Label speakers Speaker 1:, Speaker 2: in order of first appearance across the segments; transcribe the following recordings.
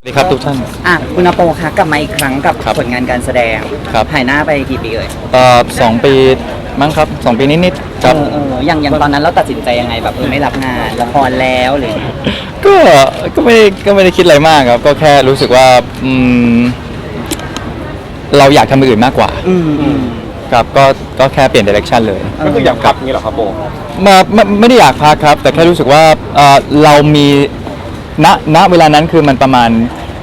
Speaker 1: สวัสดีครับทุกท่าน
Speaker 2: คุณอาโปคะกลับมาอีกครั้งกับผลงานการแสดงหายหน้าไปกี่ปีเลย
Speaker 1: 2 ปีมั้งครับ2 ปีนิดๆครับ
Speaker 2: อย่างตอนนั้นเราตัดสินใจยังไงแบบไม่รับงานละครแล้วหรือ
Speaker 1: ก็ไม่ได้คิดอะไรมากครับก็แค่รู้สึกว่าเราอยากทำอย่างอื่นมากกว่าครับก็แค่เปลี่ยนดิเรกชันเลย
Speaker 3: ก็คืออยากกลับงี้เหรอครับโบ
Speaker 1: ไม่ได้อยากพักครับแต่แค่รู้สึกว่าเรามีณเวลานั้นคือมันประมาณ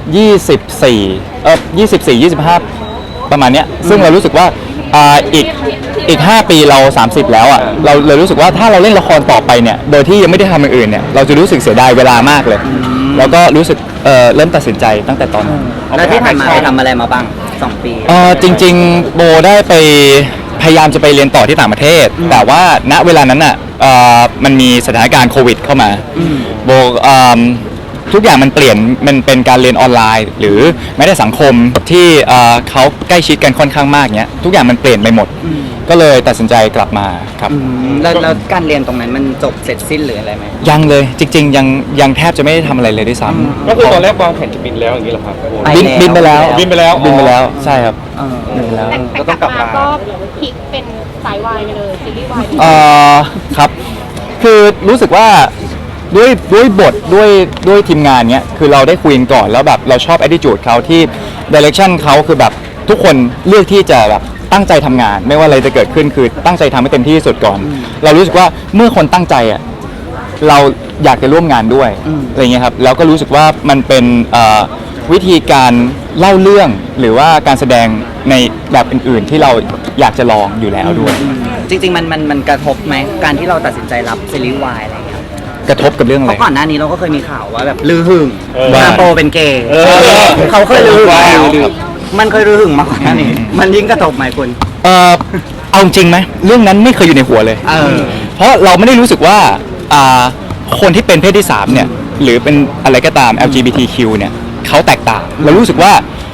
Speaker 1: 24 25ประมาณเนี้ยซึ่งเรารู้สึกว่าอีก5 ปีเรา30แล้วอ่ะเราเลยรู้สึกว่าถ้าเราเล่นละครต่อไปเนี่ยโดยที่ยังไม่ได้ทำอย่างอื่นเนี่ยเราจะรู้สึกเสียดายเวลามากเลยแล้วก็รู้สึกเริ่มตัดสินใจตั้งแต่ตอนนั้น
Speaker 2: แล้วที่ผ่านมาไปทำอะไรมาบ้าง2 ปี
Speaker 1: จริงๆโบได้ไปพยายามจะไปเรียนต่อที่ต่างประเทศแต่ว่าณเวลานั้นอ่ะมันมีสถานการณ์โควิดเข้ามาโบทุกอย่างมันเปลี่ยนมันเป็นการเรียนออนไลน์หรือแม้แต่สังคมที่เขาใกล้ชิดกันค่อนข้างมากเนี้ยทุกอย่างมันเปลี่ยนไปหมดก็เลยตัดสินใจกลับมาครับ
Speaker 2: แล้วการเรียนตรงนั้นมันจบเสร็จสิ้นหรืออะไรไหม
Speaker 1: ยังเลยจริงๆยังแทบจะไม่ได้ทำอะไรเลยด้วยซ้
Speaker 3: ำก็คือตอนแรกวางแผนจะบินแล้วอย่างนี้เหรอครับ
Speaker 1: บินไปแล้วใช่ครับ
Speaker 4: บินไปแล้วแต่กลับมาก็พลิกเป็นสายวายไปเลยซีรีส์วาย
Speaker 1: ครับคือรู้สึกว่าด้วยบทด้วยทีมงานเนี้ยคือเราได้คุยกันก่อนแล้วแบบเราชอบ attitude เขาที่ direction เขาคือแบบทุกคนเลือกที่จะแบบตั้งใจทำงานไม่ว่าอะไรจะเกิดขึ้นคือตั้งใจทำให้เต็มที่ที่สุดก่อนเรารู้สึกว่าเมื่อคนตั้งใจอ่ะเราอยากจะร่วมงานด้วยอะไรเงี้ยครับแล้วก็รู้สึกว่ามันเป็นวิธีการเล่าเรื่องหรือว่าการแสดงในแบบอื่นๆที่เราอยากจะลองอยู่แล้วด้วย
Speaker 2: จริงๆมันกระทบไหมการที่เราตัดสินใจรับซีรีส์วายอะไรเงี้ย
Speaker 1: กระทบกับเรื่องอะไร
Speaker 2: เพราะก่อนหน้านี้เราก็เคยมีข่าวว่าแบบลือหึงอาโปเป็นเกย์เขาเคยลือหึงแล้วมันเคยลือหึงมาก่อนหน้านี้มันยิ่งกระทบไหมคุณ
Speaker 1: เอาจริงไหมเรื่องนั้นไม่เคยอยู่ในหัวเลยเพราะเราไม่ได้รู้สึกว่าคนที่เป็นเพศที่3เนี่ยหรือเป็นอะไรก็ตาม LGBTQ เนี่ยเขาแตกต่างเรารู้สึกว่า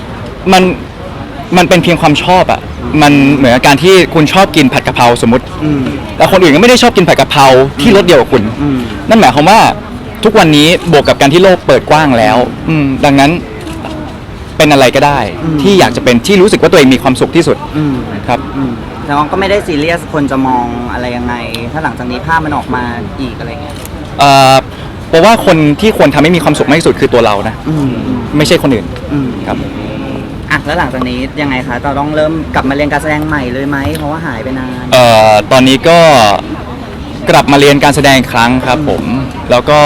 Speaker 1: มันเป็นเพียงความชอบอ่ะมันเหมือนการที่คุณชอบกินผัดกะเพราสมมติแต่คนอื่นก็ไม่ได้ชอบกินผัดกะเพราที่รสเดียวกับคุณนั่นหมายความว่าทุกวันนี้บวกกับการที่โลกเปิดกว้างแล้วดังนั้นเป็นอะไรก็ได้ที่อยากจะเป็นที่รู้สึกว่าตัวเองมีความสุขที่สุดครับ
Speaker 2: แต่ก็ไม่ได้ซีเรียสคนจะมองอะไรยังไงถ้าหลังจากนี้ภาพมันออกมาอีกอะไรเงี้ย
Speaker 1: เพราะว่าคนที่ควรทำให้มีความสุขมากที่สุดคือตัวเรานะไม่ใช่คนอื่นครับ
Speaker 2: แล้วหลังจากนี้ยังไงคะเราต้องเริ่มกลับมาเรียนการแสดงใหม่เลยไหมเพราะว่าหายไปนาน
Speaker 1: ตอนนี้ก็กลับมาเรียนการแสดงอีกครั้งครับผมแล้วก็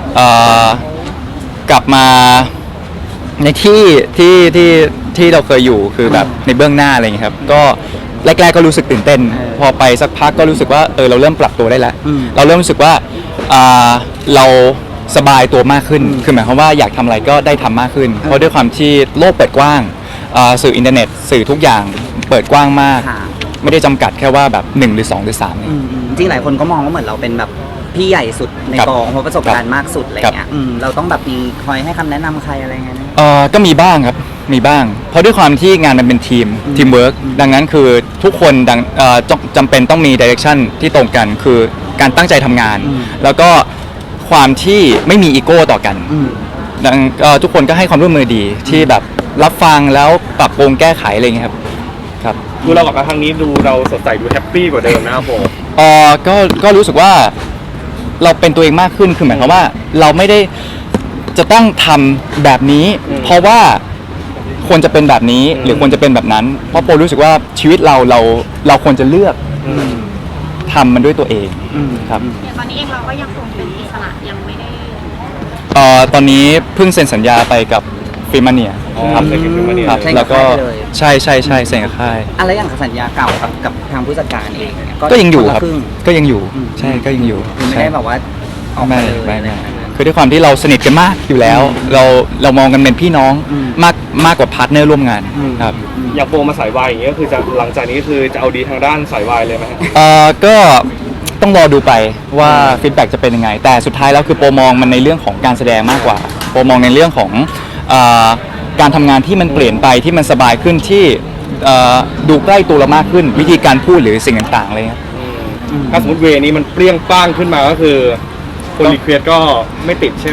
Speaker 1: กลับมาในที่เราเคยอยู่คือแบบในเบื้องหน้าอะไรอย่างเงี้ยครับก็แรกๆก็รู้สึกตื่นเต้นพอไปสักพักก็รู้สึกว่าเราเริ่มปรับตัวได้แล้วเราเริ่มรู้สึกว่าเราสบายตัวมากขึ้นคือหมายความว่าอยากทำอะไรก็ได้ทำมากขึ้นเพราะด้วยความที่โลกเปิดกว้างสื่ออินเทอร์เน็ตสื่อทุกอย่างเปิดกว้างมากไม่ได้จำกัดแค่ว่าแบบ1หรือ2หรือ3เนี่ย
Speaker 2: จริงหลายคนก็มองว่าเหมือนเราเป็นแบบพี่ใหญ่สุดในกองเพราะประสบการณ์มากสุดอะไรเงี้ยเราต้องแบบมีคอยให้คำแนะนำใครอะไรเงี้ย
Speaker 1: ก็มีบ้างครับมีบ้างเพราะด้วยความที่งานมันเป็นทีมเวิร์กดังนั้นคือทุกคนจำเป็นต้องมีดิเรกชันที่ตรงกันคือการตั้งใจทำงานแล้วก็ความที่ไม่มีอีโก้ต่อกันดังทุกคนก็ให้ความร่วมมือดีที่แบบรับฟังแล้วปรับปรุงแก้ไขอะไรเงี้ยครับ
Speaker 3: ดูเรากับครั้งนี้ดูเราสดใสดูแฮปปี้กว่าเดิมนะครับผม
Speaker 1: ก็รู้สึกว่าเราเป็นตัวเองมากขึ้นคือหมายความว่าเราไม่ได้จะต้องทำแบบนี้เพราะว่าควรจะเป็นแบบนี้หรือควรจะเป็นแบบนั้นเพราะโปรู้สึกว่าชีวิตเราควรจะเลือกทำมันด้วยตัวเองครับ
Speaker 4: ตอนนี้เองเราก็ยังคงเป็นอิสระยังไม่ได้
Speaker 1: ตอนนี้เพิ่งเซ็นสัญญาไปกับฟิมาเนียครับแล้วก็ใช่เซ็นกับค่าย
Speaker 2: อะไรอย่างสัญญาเก่ากับทางผู้จัดการเอง
Speaker 1: ก็ยังอยู่ครับก็ยังอยู่ใช่ก็ยังอยู่
Speaker 2: ไม่ได้แบบว่าออกมาเลย
Speaker 1: คือด้วยความที่เราสนิทกันมากอยู่แล้วเรามองกันเป็นพี่น้องมากกว่าพาร์ทเนอร์ร่วมงานครับ
Speaker 3: อยากโปรมาสายวายอย่างเงี้ยคือจะหลังจากนี้คือจะเอาดีทางด้านสายวายเลยไหม
Speaker 1: ก็ต้องรอดูไปว่าฟีดแบ็กจะเป็นยังไงแต่สุดท้ายแล้วคือโปรมองมันในเรื่องของการแสดงมากกว่าโปรมองในเรื่องของการทำงานที่มันเปลี่ยนไปที่มันสบายขึ้นที่ดูใกล้ตัวเรามากขึ้นวิธีการพูดหรือสิ่งต่างๆอะไรเงี้ย
Speaker 3: ถ้าสมมติเวนี้มันเปรี้ยงป้างขึ้นมาก็คือคนรีเควสก็ไม่ติดใช่ไหม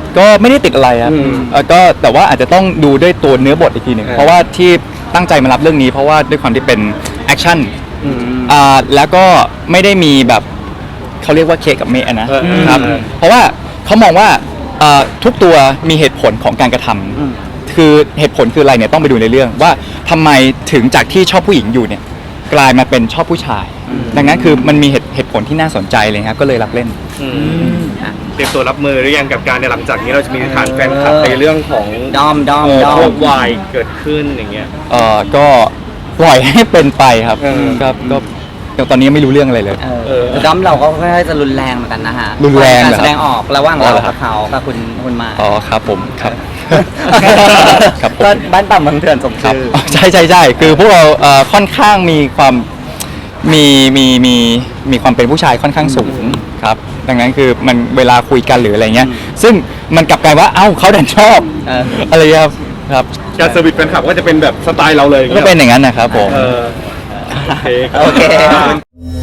Speaker 1: ก็ไม่ได้ติดอะไรครับก็แต่ว่าอาจจะต้องดูด้วยตัวเนื้อบทอีกทีหนึ่งเพราะว่าที่ตั้งใจมารับเรื่องนี้เพราะว่าด้วยความที่เป็นแอคชั่นแล้วก็ไม่ได้มีแบบเขาเรียกว่าเคกับเมะนะครับเพราะว่าเขามองว่าทุกตัวมีเหตุผลของการกระทำคือเหตุผลคืออะไรเนี่ยต้องไปดูในเรื่องว่าทำไมถึงจากที่ชอบผู้หญิงอยู่เนี่ยกลายมาเป็นชอบผู้ชาย ดังนั้นคือมันมีเหตุผลที่น่าสนใจเลยครับก็เลยรับเล่น
Speaker 3: เตรียมตัวรับมือหรือยังกับการในหลังจากนี้เราจะมีฐานแฟนคลับในเรื่องของ
Speaker 2: ดอม
Speaker 3: พวกวายเกิดขึ้นอย่างเงี้ย
Speaker 1: ก็ปล่อยให้เป็นไปครับ
Speaker 3: เออ
Speaker 1: ก็ตอนนี้ยังไม่รู้เรื่องอะไรเลย
Speaker 2: ดอมเราก็ค่อนข้างจะรุนแรงเหมือนกันนะฮะ
Speaker 1: รุนแรง
Speaker 2: การ
Speaker 1: เหรอ
Speaker 2: แสดงออกระหว่าง
Speaker 1: อ๋อ
Speaker 2: เรา
Speaker 1: เหรอครั
Speaker 2: กับบ เขากับคุณมา
Speaker 1: อ๋อครับผมครับ ครับผม
Speaker 2: ก็บ้านต่ำเมืองเถื่อนสม
Speaker 1: ครับ
Speaker 2: ชื่อ
Speaker 1: ใช่คือพวกเราค่อนข้างมีความมีความเป็นผู้ชายค่อนข้างสูงครับดังนั้นคือมันเวลาคุยกันหรืออะไรเงี้ยซึ่งมันกลับกลายว่าเอ้าเขาดันชอบ อะไรครับ
Speaker 3: การเซอร์วิสแฟนคลับก็จะเป็นแบบสไตล์เราเลย
Speaker 1: ก็เป็นอย่างนั้นนะครับผม
Speaker 3: โอเค
Speaker 2: โอเค